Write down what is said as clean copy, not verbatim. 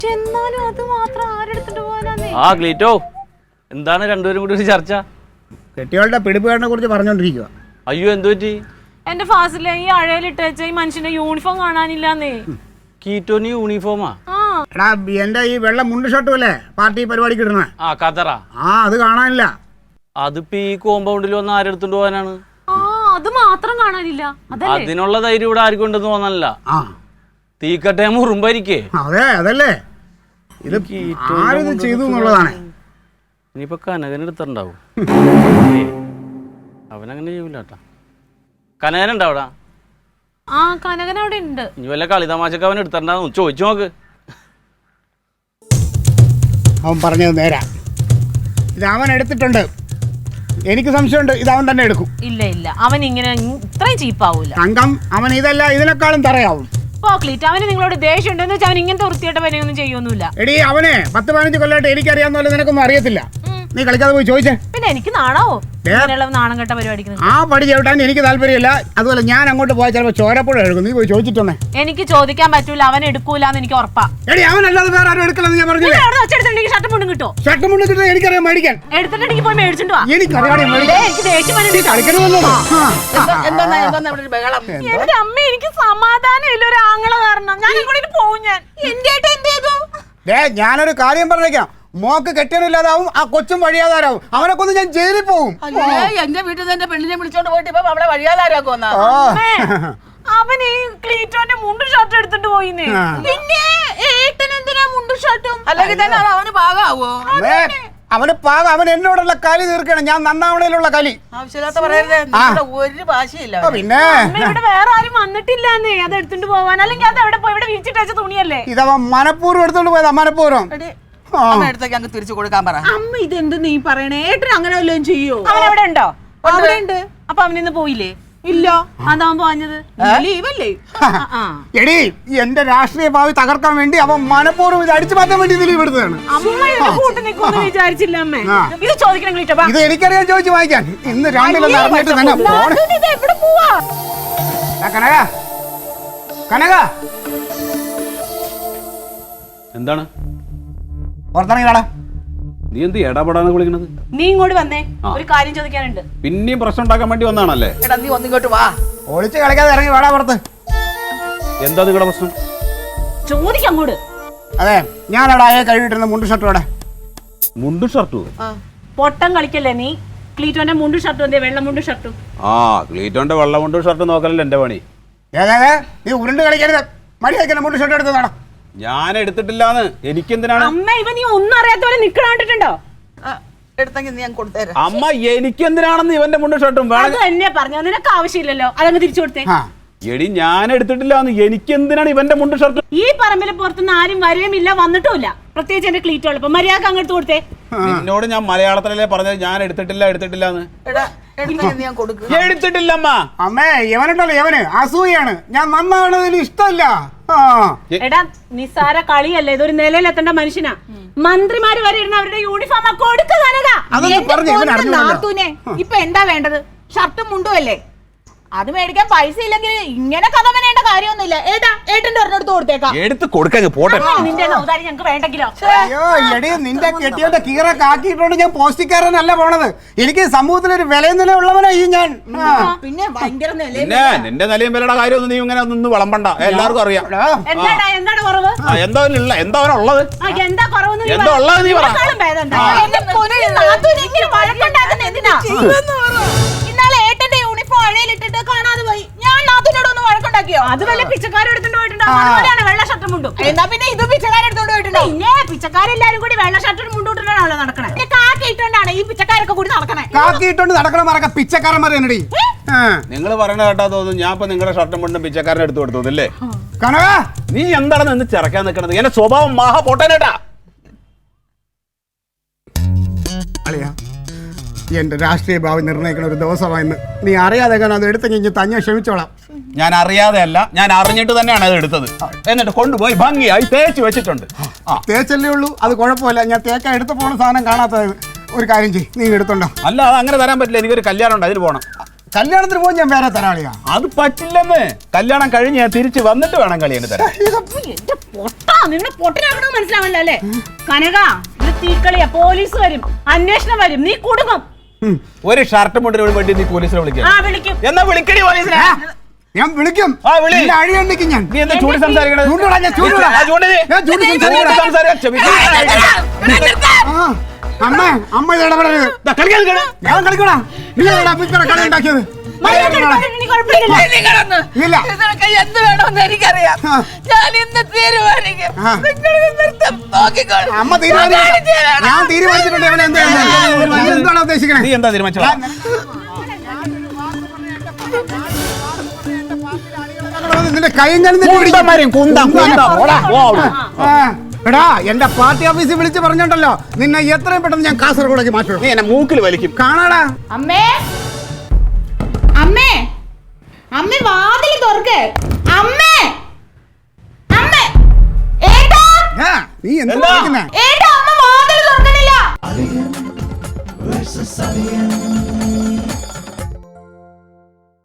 എന്നാലും അത് മാത്രം ആരെടുത്തിട്ട് പോകാനാന്നേ? ആ ക്ലീറ്റോ, എന്താണ് രണ്ടുപേരും കൂടി ഒരു ചർച്ച? കെട്ടിയോളുടെ പിടിപ്പുകാരനെ കുറിച്ച് പറഞ്ഞോണ്ടിരിക്കുക. അയ്യോ, എന്തു പറ്റി? എന്റെ ഫാസിലെ ഈ അഴയിലിട്ട് വെച്ച ഈ മനുഷ്യന്റെ യൂണിഫോം കാണാനില്ലാന്നേ. കീറ്റോന് യൂണിഫോമാ? എടാ എന്റെ ഈ വെള്ള മുണ്ട് ഷർട്ടും അല്ലേ പാർട്ടി പരിപാടിക്ക് ഇടുന്ന? ആ കതറ. അത് കാണാനില്ല. അതിപ്പോ ഈ കോമ്പൗണ്ടിൽ വന്ന് ആരെടുത്തോണ്ട് പോകാനാണ്? അത് മാത്രം കാണാനില്ല. അതിനുള്ള ധൈര്യം ഇവിടെ ആർക്കും ഉണ്ടെന്ന് തോന്നല്ല. തീക്കട്ടെ മുറുമ്പായിരിക്കേ. അതെ അതല്ലേ ഇത് ആരിത് ചെയ്തു എന്നുള്ളതാണ്. ഇനിയിപ്പോ കനകൻ എടുത്തിട്ടുണ്ടാവും. അവനങ്ങനെ ചെയ്യൂല കേട്ടാ. കനകനുണ്ടോ അവിടെ? കനകൻ അവിടെ ഉണ്ട്. ഇനി വല്ല കളി തമാശക്ക് അവൻ എടുത്തിട്ടുണ്ടാവും, ചോദിച്ചു നോക്ക്. അവൻ പറഞ്ഞത് നേരാ. ഇത് അവൻ എടുത്തിട്ടുണ്ട്. എനിക്ക് സംശയമുണ്ട് ഇത് അവൻ തന്നെ എടുക്കും. ഇല്ല ഇല്ല, അവൻ ഇങ്ങനെ ഇത്രയും ചീപ്പാവൂല. തങ്കം, അവൻ ഇതല്ല ഇതിനേക്കാളും തറയാവും. ക്ലീറ്റ്, അവന് നിങ്ങളോട് ദേഷ്യം ഉണ്ടെന്ന് വെച്ചാൽ അവൻ ഇങ്ങനത്തെ വൃത്തിയായിട്ട പനിയൊന്നും ചെയ്യൊന്നുമില്ല. എടീ അവനെ 10-15 കൊല്ലമായിട്ട് എനിക്കറിയാവുന്ന പോലെ നിനക്കൊന്നും അറിയത്തില്ല. നീ കളിക്കാതെ പോയി ചോദിച്ചേ. പിന്നെ എനിക്ക് നാണാവോ നാണം കെട്ട പരിപാടിക്ക്? ആ പടി ചവിട്ടാൻ എനിക്ക് താല്പര്യമില്ല. അതുപോലെ ഞാൻ അങ്ങോട്ട് പോയാൽ ചിലപ്പോൾ ചോരപ്പുഴ എടുക്കും. നീ പോയി ചോദിച്ചിട്ടൊന്നേ. എനിക്ക് ചോദിക്കാൻ പറ്റൂല, അവൻ എടുക്കൂലെന്ന് എനിക്ക് ഉറപ്പാ. എടി അവനല്ലാതെ വേറെ ആരും എടുക്കില്ലെന്ന് ഞാൻ പറഞ്ഞില്ലേ? ഷർട്ടും മുണ്ടും കിട്ടോ? ഷർട്ടും മുണ്ടും കിട്ടും എനിക്കറിയാം മേടിക്കാൻ. എടുത്തിട്ടുണ്ടെങ്കിൽ പോയി മേടിച്ചിട്ട് വാ. എനിക്ക് ദേഷ്യം എന്റെ അമ്മ, എനിക്ക് സമാധാനം ഇല്ല ഒരു ആങ്ങള കാരണം. ഞാൻ ഇങ്ങോട്ട് പോകും. ഞാനൊരു കാര്യം പറഞ്ഞേക്കാം. മോക്ക് കെട്ടിയനില്ലാതാവും, ആ കൊച്ചും വഴിയാതാരാവും. അവനെ കൊന്ന് ഞാൻ ജയിലിൽ പോകും. എന്റെ വീട്ടിൽ നിന്ന് എന്റെ പെണ്ണിനെ വിളിച്ചോണ്ട് പോയിട്ട് ഇപ്പൊ അവളെ വഴിയാതാരാക്കുമെന്നാ. അവൻ ഈ ക്ലീറ്റോന്റെ മുണ്ടും ഷർട്ടും എടുത്തിട്ട് പോയിന്നേ. പിന്നെ ഏട്ടൻ എന്തിനാ മുണ്ടും ഷർട്ടും? അല്ലെങ്കിൽ തന്നെ അത് അവന് പാകാവോ? അവന് പാകം. അവൻ എന്നോടുള്ള കലി തീർക്കണം. ഞാൻ നന്നാവണയിലുള്ള കലി. ആവശ്യമില്ലാത്ത പറയരുത്. ഒരു ഭാഷയില്ല. പിന്നെ ഇവിടെ വേറെ ആരും വന്നിട്ടില്ലാന്നേ അത് എടുത്തിട്ട് പോവാൻ. അല്ലെങ്കിൽ അത് എവിടെ പോയി? ഇവിടെ വിരിച്ചിട്ട തുണിയല്ലേ? ഇതവൻ മനഃപൂർവ്വം എടുത്തോണ്ട് പോയതാ. മനഃപൂർവ്വം എടുത്തേക്ക് അങ്ങ് തിരിച്ചു കൊടുക്കാൻ പറ. അമ്മ ഇതെന്ത് നീ പറയണേ? ഏട്ടൻ അങ്ങനെ വല്ലതും ചെയ്യോ? അവൻ എവിടെ ഉണ്ടോ? അവിടെ ഉണ്ട്. അപ്പൊ അവനിന്ന് പോയില്ലേ? ഇല്ല. അതാവൻ പോഞ്ഞത് ലീവല്ലേ? എടി എന്റെ രാഷ്ട്രീയ ഭാവി തകർക്കാൻ വേണ്ടി അവൻ മനഃപൂർവ്വം ഇത് അടിച്ചു മാറ്റാൻ വേണ്ടി ലീവ് എടുത്തതാണ്. വിചാരിച്ചില്ല അമ്മേ. ഇത് ചോദിക്കണം. ഇത് എനിക്കറിയാൻ ചോദിച്ചു വായിക്കാൻ. ഇന്ന് രണ്ടിലൊന്ന് അറിഞ്ഞിട്ട് തന്നെ കനക കനക എന്താണ് പുറത്തിറങ്ങിടാ. നീ എന്ത് ഇടപെടാന്ന് വിളിക്കണത്? നീ ഇങ്ങോട്ട് വന്നേ, ഒരു കാര്യം ചോദിക്കാനുണ്ട്. പിന്നെയും പ്രശ്നം ഉണ്ടാക്കാൻ വേണ്ടി വന്നാണല്ലേ? എടാ നീ ഒന്നിങ്ങോട്ട് വാ. ഒളിച്ച് കളിക്കാതെ ഇറങ്ങി വേടാ പുറത്ത്. എന്താ നിങ്ങളുടെ പ്രശ്നം? ചോദിക്കാം അങ്ങോട്ട്. അതെ, ഞാനവിടെ ആയ കഴിവിട്ടിരുന്ന മുണ്ട് ഷർട്ടും അവിടെ. മുണ്ടും ഷർട്ടും? പൊട്ടം കളിക്കല്ലേ നീ? ക്ലീറ്റോന്റെ മുണ്ടും ഷർട്ടും എന്തേ? വെള്ള മുണ്ടും ഷർട്ടും. ക്ലീറ്റോന്റെ വെള്ള മുണ്ടും ഷർട്ടും നോക്കലല്ലേ എന്റെ പണി. നീ ഉരുണ്ട് കളിക്കരുത്. മടി വയ്ക്കണം. മുണ്ട് ഷർട്ട് എടുത്ത് നടാ. ഞാൻ എടുത്തിട്ടില്ലാന്ന്. എനിക്കെന്തിനാണ്? അമ്മ, ഇവ നീ ഒന്നും അറിയാത്ത പോലെ നിക്കണ കണ്ടിട്ടുണ്ടോ? എടുത്തെങ്കിൽ നീ ഞാൻ കൊടുത്തേരാ. അമ്മ, എനിക്കെന്തിനാണെന്ന് ഇവന്റെ മുണ്ടും ഷർട്ടും? അത് തന്നെ പറഞ്ഞ നിനക്ക് ആവശ്യമില്ലല്ലോ, അതങ്ങ് തിരിച്ചു കൊടുത്തേ. എടി ഞാൻ എടുത്തിട്ടില്ലാന്ന്. എനിക്കെന്തിനാണ് ഇവന്റെ മുണ്ടും ഷർട്ടും? ഈ പറമ്പിലെ പുറത്തുനിന്ന് ആരും വരെയുമില്ല, വന്നിട്ടുമില്ല. പ്രത്യേകിച്ച് എന്റെ ക്ലീറ്റോളപ്പോ മര്യാദ അങ്ങോട്ട് കൊടുത്തേ. നിന്നോട് ഞാൻ മലയാളത്തിലല്ലേ പറഞ്ഞത് ഞാൻ എടുത്തിട്ടില്ലാന്ന്. എടുത്തിട്ടില്ലമ്മ. അമ്മേ, യവനുണ്ടല്ലോ യവന് അസൂയാണ്. ഞാൻ നന്നാവണതിന് ഇഷ്ടമല്ല. എടാ നിസ്സാര കളിയല്ലേ, ഇതൊരു നിലയിലെത്തേണ്ട മനുഷ്യനാ. മന്ത്രിമാര് വരെ ഇരുന്ന് അവരുടെ യൂണിഫോം നാത്തൂനെ ഇപ്പൊ എന്താ വേണ്ടത്? ഷർട്ടും മുണ്ടും അല്ലേ? അത് മേടിക്കാൻ പൈസ ഇല്ലെങ്കിൽ ഇങ്ങനെ കഥ പറയേണ്ട കാര്യമൊന്നുമില്ല. ഏട്ടന്റെ ഒരെണ്ണെടുത്ത് കൊടുത്തേക്കാം. എടുത്ത് കൊടുക്കാൻ പോട്ടെ. നിന്റെ ഔദാര്യം ഞങ്ങൾക്ക് വേണ്ടെങ്കിലോ? അയ്യോ എടി, നിന്റെ കെട്ടിയോന്റെ കീറൊക്കെ ആക്കിയിട്ടുണ്ട്. ഞാൻ പോസ്റ്റിക്കാരനല്ല പോണത്. എനിക്ക് സമൂഹത്തിലൊരു വിലയും നില ഉള്ളവനാ ഈ ഞാൻ. പിന്നെ ഭയങ്കര നിന്റെ നിലയും വിലയുടെ കാര്യമൊന്നും നീ ഇങ്ങനെ നിന്ന് വിളമ്പണ്ട. എല്ലാവർക്കും അറിയാം. എന്താണ് കുറവ്? എന്താ ഉള്ളത്? എന്താ കുറവ്? എന്താ ഉള്ളത് നീ പറ. ഇന്നാളെ ഏട്ടന്റെ യൂണിഫോം അഴയിലിട്ടിട്ട് കാണാതെ പോയി. ഞാൻ നാത്തൂനോട് ഒന്ന് വഴക്കുണ്ടാക്കിയോ? അത് വല്ല പിച്ചക്കാരെടുത്തോണ്ട് പോയിട്ടുണ്ടോ? അതുപോലെയാണ് വെള്ള ഷർട്ടും മുണ്ടും. എന്നാ പിന്നെ ഇത് പിച്ചക്കാരെടുത്തോണ്ട് പോയിട്ടുണ്ടോ? പിന്നെ പിച്ചക്കാരെല്ലാരും കൂടി വെള്ള ഷർട്ടും മുണ്ടൂട്ടിട്ടാണല്ലോ നടക്കണേ. കാക്കിയിട്ടോണ്ടാണ് ഈ പിച്ചക്കാരൊക്കെ കൂടി നടക്കണേ. കാക്കിയിട്ടോണ്ട് നടക്കണമാരൊക്കെ പിച്ചക്കാരന്മാരെ എന്നടി. നിങ്ങൾ പറയണ കേട്ടാ തോന്നുന്നു ഞാൻ ഇപ്പൊ നിങ്ങളുടെ ഷർട്ടും മുണ്ടും പിച്ചക്കാരനെ എടുത്തു കൊടുത്തല്ലേ? കനക, നീ എന്താണ് നിന്ന് ചിറക്കാൻ നിൽക്കണത്? എന്റെ സ്വഭാവം മഹാ പൊട്ടനേട്ടാ. അളിയാ, എന്റെ രാഷ്ട്രീയ ഭാവി നിർണ്ണയിക്കുന്ന ഒരു ദിവസമായിരുന്നു. നീ അറിയാതെ അത് എടുത്തെങ്കിൽ തന്നെ ക്ഷമിച്ചോളാം. ഞാൻ അറിയാതെ അല്ല, ഞാൻ അറിഞ്ഞിട്ട് തന്നെയാണ് അത് എടുത്തത്. എന്നിട്ട് കൊണ്ടുപോയി ഭംഗിയായി തേച്ച് വെച്ചിട്ടുണ്ട്. തേച്ചല്ലേ ഉള്ളൂ, അത് കുഴപ്പമില്ല. ഞാൻ തേക്കാൻ എടുത്ത് പോണ സാധനം കാണാത്തത്. ഒരു കാര്യം ചെയ്യ്, നീ എടുത്തോണ്ടോ. അല്ല, അത് അങ്ങനെ തരാൻ പറ്റില്ല. എനിക്കൊരു കല്യാണം ഉണ്ട്, അതിന് പോകണം. കല്യാണത്തിന് പോയി ഞാൻ വേറെ തരാം അളിയാ. അത് പറ്റില്ലെന്ന്. കല്യാണം കഴിഞ്ഞ് ഞാൻ തിരിച്ച് വന്നിട്ട് വേണം കളിയാണ് തരാൻ. എന്റെ പൊട്ടാ, നിന്നെ പൊട്ടനാകണമെന്ന് മനസ്സിലാവല്ലോ അല്ലേ? കനക, ഇത് തീക്കളിയാ. പോലീസ് വരും, അന്വേഷണം വരും, നീ കുടുങ്ങും. ഒരു ഷർട്ട് മുണ്ടിന് വേണ്ടി നീ പോലീസിനെ വിളിക്കാം. ആ വിളിക്കും. എന്നാ വിളിക്കടി പോലീസിനെ. ഞാൻ വിളിക്കും. ആ, വിളി. നിന്നെ അഴിയണ്ടിക്കും ഞാൻ. നീ എന്താ ചൂട് സംസാരിക്കണത്? ചൂണ്ടിടാ, ഞാൻ ചൂണ്ടിടാ. ആ, ചൂണ്ടിട്. ഞാൻ ചൂണ്ടി സംസാരിക്കടാ. സംസാരിക്കാം. ആ, അമ്മ ഇത് ഇടപെടരുത്. ദാ, കളിക്കാൻ നിൽക്കണ. ഞാൻ കളിക്കൂടാ. നീ ആരാടാ പിച്ചറ കളി ഉണ്ടാക്കിയത്? നീ കുഴപ്പമില്ല. ഇല്ല. നിനക്ക് എന്ത് വേണമെന്ന് എനിക്കറിയാം. ആ. ഞാൻ ഇന്ന് തീരുമാനിക്കും. ആ. നിങ്ങൾ നൃത്തം നോക്കിക്കോളൂ. അമ്മ തീരുമാനിച്ചു. ഞാൻ തീരുമാനിച്ചിട്ടുണ്ട്. അവൻ എന്താണ് ഉദ്ദേശിക്കണേ? നീ എന്താ തീരുമാനിച്ചത്? നിന്റെ കൈയും കാലും എടാ, എന്റെ പാർട്ടി ഓഫീസിൽ വിളിച്ച് പറഞ്ഞോണ്ടല്ലോ നിന്നെ എത്രയും പെട്ടെന്ന് ഞാൻ കാസർഗോഡേക്ക് മാറ്റും. നീ എന്നെ മൂക്കിൽ വലിക്കും. കാണാടാ. അമ്മേ അമ്മേ അമ്മേ വാതിൽ തുറക്ക്. അമ്മേ അമ്മേ ഏട്ടാ നീ എന്താ എന്താ? വിളിക്കുന്നെ? ഏട്ടാ, അമ്മ വാതിൽ തുറക്കണില്ല.